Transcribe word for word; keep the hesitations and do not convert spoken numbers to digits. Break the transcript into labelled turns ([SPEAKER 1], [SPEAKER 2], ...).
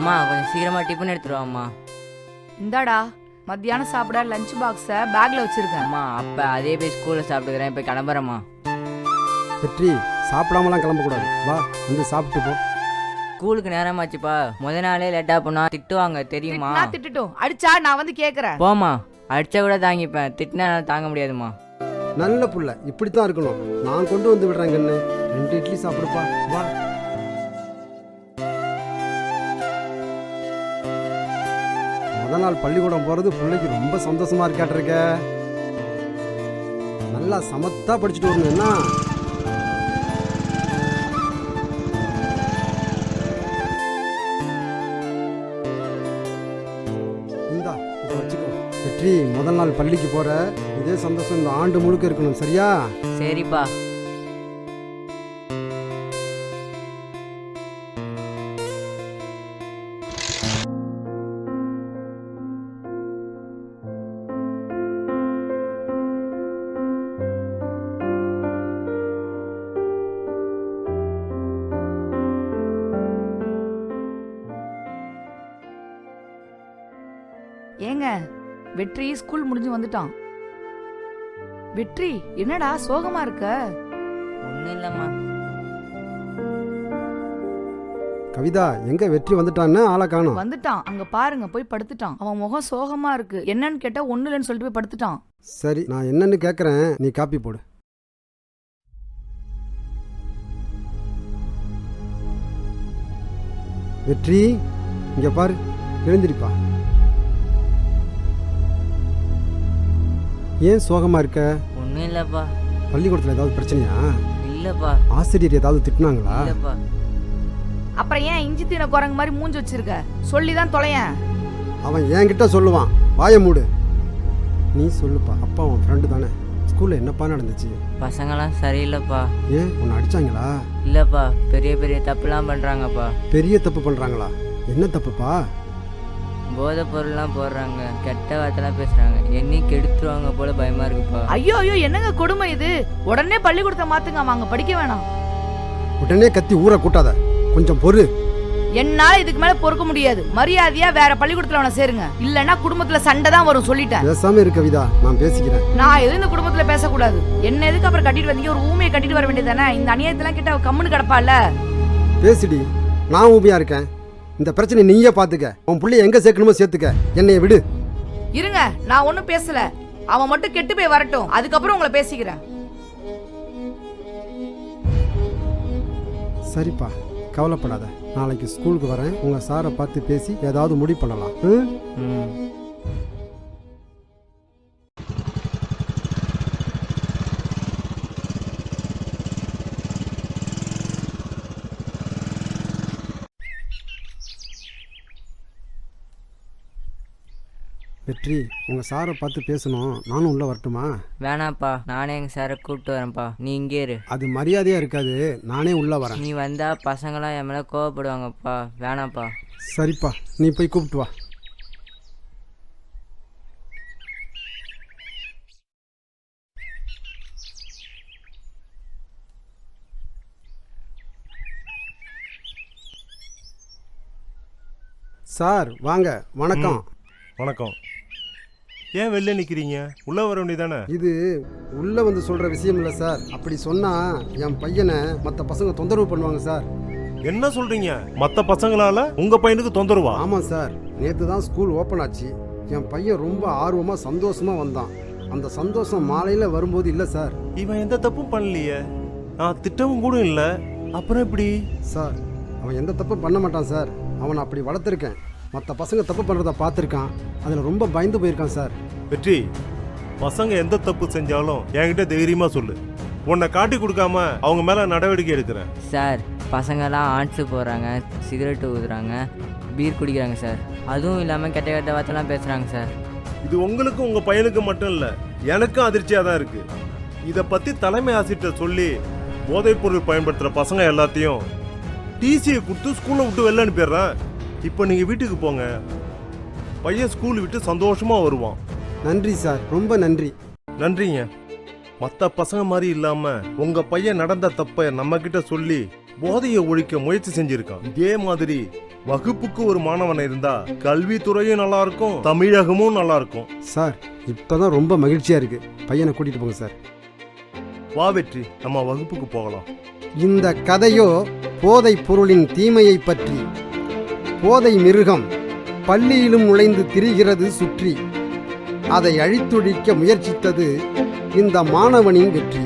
[SPEAKER 1] அம்மா கொஞ்சம் சீக்கிரமா டிஃபன் எடுத்துருவாம்மா.
[SPEAKER 2] இந்தாடா மத்தியானம் சாப்பிட லஞ்ச் பாக்ஸை பேக்ல வச்சிருக்கேன்.
[SPEAKER 1] அம்மா அப்ப அதே போய் ஸ்கூல்ல சாப்பிட்டுக்கிறேன், இப்போ கிளம்புறேம்மா.
[SPEAKER 3] வெற்றி, சாப்பிடாமலாம் கிளம்பக்கூடாது, வா வந்து சாப்பிட்டு போ.
[SPEAKER 1] ஸ்கூலுக்கு நேரமாச்சுப்பா, முத நாளே லேட்டா போனா திட்டுவாங்க தெரியுமா?
[SPEAKER 2] நான் திட்டுட்டும், அடிச்சா நான் வந்து கேக்குறேன்.
[SPEAKER 1] போமா, அடிச்சா கூட தாங்கிப்பேன், திட்டினா தாங்க முடியாதுமா.
[SPEAKER 3] நல்ல புள்ள, இப்படித்தான் இருக்கணும். நான் கொண்டு வந்து விடுறேன் கண்ணு, ரெண்டு இட்லி சாப்பிடுப்பா, வா. முத நாள் பள்ளிக்கூடம் போறது பிள்ளைக்கு ரொம்ப சந்தோஷமா இருக்காட்டிருக்க. நல்லா சமத்தா படிச்சுட்டு வரணும் என்ன? இந்தா இதை வச்சுக்கோ. வெற்றி, முதல் நாள் பள்ளிக்கு போற, இதே சந்தோஷம் இந்த ஆண்டு முழுக்க இருக்கணும், சரியா?
[SPEAKER 1] சரிப்பா.
[SPEAKER 2] ஏங்க, வெற்றி ஸ்கூல் முடிஞ்சு வந்துட்டான். வெற்றி, என்னடா சோகமா இருக்க?
[SPEAKER 1] ஒன்றும் இல்லைம்மா.
[SPEAKER 3] கவிதா, எங்க வெற்றி வந்துட்டான்னு ஆளை காணோம்.
[SPEAKER 2] வந்துட்டான், அங்க பாருங்க, போய் படுத்துட்டான். அவன் முகம் சோகமா இருக்கு. என்னன்னு கேட்டா ஒண்ணு இல்லைன்னு சொல்லிட்டு போய் படுத்துட்டான்.
[SPEAKER 3] சரி, நான் என்னன்னு கேக்குறேன், நீ காப்பி போடு. வெற்றி, இங்க பாரு, எழுந்திரிப்பா. ஏன் சோகமா இருக்க?
[SPEAKER 1] ஒன்றும் இல்லைப்பா.
[SPEAKER 3] பள்ளிக்கூடத்துல ஏதாவது பிரச்சனையா?
[SPEAKER 1] இல்லைப்பா.
[SPEAKER 3] ஆசிரியர் ஏதாவது திட்டினாங்களா?
[SPEAKER 1] இல்லைப்பா.
[SPEAKER 2] அப்புறம் ஏன் இஞ்சி தீன குரங்கு மாதிரி மூஞ்சி வச்சிருக்க? சொல்லிதான் தொலையேன்.
[SPEAKER 3] அவன் என்கிட்ட சொல்லுவான், வாய மூடு. நீ சொல்லுப்பா, அப்பா அவன் ஃப்ரெண்டு தானே. ஸ்கூல்ல என்னப்பா நடந்துச்சு?
[SPEAKER 1] பசங்களாம் சரியில்லைப்பா.
[SPEAKER 3] ஏன், உன்னை அடிச்சாங்களா?
[SPEAKER 1] இல்லைப்பா, பெரிய பெரிய தப்புலாம் பண்ணுறாங்கப்பா.
[SPEAKER 3] பெரிய தப்பு பண்றாங்களா? என்ன தப்புப்பா?
[SPEAKER 1] போதை பொருள்லாம் போடுறாங்க, கெட்ட வார்த்தைலாம் பேசுறாங்க, என்னை கெடுத்துருவாங்க போல பயமா இருக்குப்பா.
[SPEAKER 2] ஐயோ ஐயோ, என்னங்க கொடுமை இது? உடனே பள்ளிக்கூடத்தை மாத்துங்க, அவங்க படிக்க வேணாம்.
[SPEAKER 3] உடனே கத்தி ஊற கூட்டாத, கொஞ்சம் பொறு.
[SPEAKER 2] என்னால இதுக்கு மேல பொறுக்க முடியாது. மரியாதையா வேற பள்ளிக்கூடத்துல அவனை சேருங்க, இல்லன்னா குடும்பத்துல சண்டை தான் வரும், சொல்லிட்டேன்.
[SPEAKER 3] பேசாம இரு கவிதா, நான் பேசிக்கிறேன்.
[SPEAKER 2] நான் எதுவும் இந்த குடும்பத்துல பேசக்கூடாது. என்ன எதுக்கு அப்புறம் கட்டிட்டு வந்தீங்க? ஒரு ஊமையை கட்டிட்டு வர வேண்டியதானே? இந்த அநியாயத்தெல்லாம் கிட்ட கம்முன்னு கிடப்பால.
[SPEAKER 3] பேசிடி, நான் ஊமையா இருக்கேன். இந்த பிரச்சனை நீயே பாத்துக்க. உன் புள்ளைய எங்க சேர்க்கணுமோ சேர்த்துக்க, என்னைய விடு.
[SPEAKER 2] இருங்க, நான் ஒன்னும் பேசல. அவன் மட்டும் கெட்டு போய் வரட்டும், அதுக்கப்புறம் உங்களை பேசிக்கிறேன்.
[SPEAKER 3] சரிப்பா, கவலைப்படாத. நாளைக்கு ஸ்கூலுக்கு வரேன், உங்க சாரை பார்த்து பேசி ஏதாவது முடிவு பண்ணலாம்.
[SPEAKER 1] ம்.
[SPEAKER 3] வெற்றி, உங்க சாரை பார்த்து பேசணும், நானும் உள்ள வரட்டுமா?
[SPEAKER 1] வேணாப்பா, நானே எங்கள் சாரை கூப்பிட்டு வரேன்ப்பா, நீ இங்கே இரு.
[SPEAKER 3] அது மரியாதையா இருக்காது, நானே உள்ள வரேன்.
[SPEAKER 1] நீ வந்தா பசங்களாம் என் மேலே கோவப்படுவாங்கப்பா, வேணாப்பா.
[SPEAKER 3] சரிப்பா, நீ போய் கூப்பிட்டு வா. சார் வாங்க. வணக்கம்.
[SPEAKER 4] வணக்கம். ஏன் வெளில நிற்கிறீங்க? உள்ளே வர வேண்டியதானே?
[SPEAKER 3] இது உள்ளே வந்து சொல்கிற விஷயம் இல்லை சார். அப்படி சொன்னால் என் பையனை மற்ற பசங்க தொந்தரவு பண்ணுவாங்க சார்.
[SPEAKER 4] என்ன சொல்கிறீங்க? மற்ற பசங்களால் உங்கள் பையனுக்கு தொந்தரவா?
[SPEAKER 3] ஆமாம் சார், நேற்று தான் ஸ்கூல் ஓப்பன் ஆச்சு. என் பையன் ரொம்ப ஆர்வமாக சந்தோஷமாக வந்தான். அந்த சந்தோஷம் மாலையில் வரும்போது இல்லை சார்.
[SPEAKER 4] இவன் எந்த தப்பும் பண்ணலையே, நான் திட்டமும் கூட இல்லை, அப்புறம் எப்படி?
[SPEAKER 3] சார், அவன் எந்த தப்பும் பண்ண மாட்டான் சார். அவனை அப்படி வளர்த்துருக்கேன். மற்ற பசங்க தப்பு பண்ணுறத பார்த்துருக்கான், அதில் ரொம்ப பயந்து போயிருக்கான் சார்.
[SPEAKER 4] வெற்றி, பசங்க எந்த தப்பு செஞ்சாலும் என்கிட்ட தைரியமாக சொல்லு, உன்னை காட்டி கொடுக்காம அவங்க மேலே நடவடிக்கை எடுக்கிறேன்.
[SPEAKER 1] சார், பசங்கள்லாம் ஆன்ஸு போடுறாங்க, சிகரெட்டு ஊதுறாங்க, பீர் குடிக்கிறாங்க சார். அதுவும் இல்லாமல் கெட்ட கெட்ட வார்த்தைலாம் பேசுகிறாங்க சார்.
[SPEAKER 4] இது உங்களுக்கு உங்கள் பையனுக்கு மட்டும் இல்லை, எனக்கும் அதிர்ச்சியாக தான் இருக்குது. இதை பற்றி தலைமை ஆசிரியர்கிட்ட சொல்லி போதைப் பொருள் பயன்படுத்துகிற பசங்க எல்லாத்தையும் டிசியை கொடுத்து ஸ்கூலை விட்டு வெளில அனுப்பிடுறேன். இப்போ நீங்கள் வீட்டுக்கு போங்க, பையன் ஸ்கூல் விட்டு சந்தோஷமாக வருவான்.
[SPEAKER 3] நன்றி சார், ரொம்ப நன்றி.
[SPEAKER 4] நன்றிங்க. மற்ற பசங்க மாதிரி இல்லாமல் உங்கள் பையன் நடந்த தப்பை நம்மக்கிட்ட சொல்லி போதையை ஒழிக்க முயற்சி செஞ்சிருக்கான். இதே மாதிரி வகுப்புக்கு ஒரு மாணவன் இருந்தா கல்வித்துறையும் நல்லா இருக்கும், தமிழகமும் நல்லா இருக்கும்.
[SPEAKER 3] சார் இப்போதான் ரொம்ப மகிழ்ச்சியாக இருக்குது. பையனை கூட்டிகிட்டு போங்க சார்.
[SPEAKER 4] வா வெற்றி, நம்ம வகுப்புக்கு போகலாம்.
[SPEAKER 3] இந்த கதையோ போதைப் பொருளின் தீமையை பற்றி. போதை மிருகம் பள்ளியிலும் நுழைந்து திரிகிறது சுற்றி. அதை அழித்தொழிக்க முயற்சித்தது இந்த மாணவனின் வெற்றி.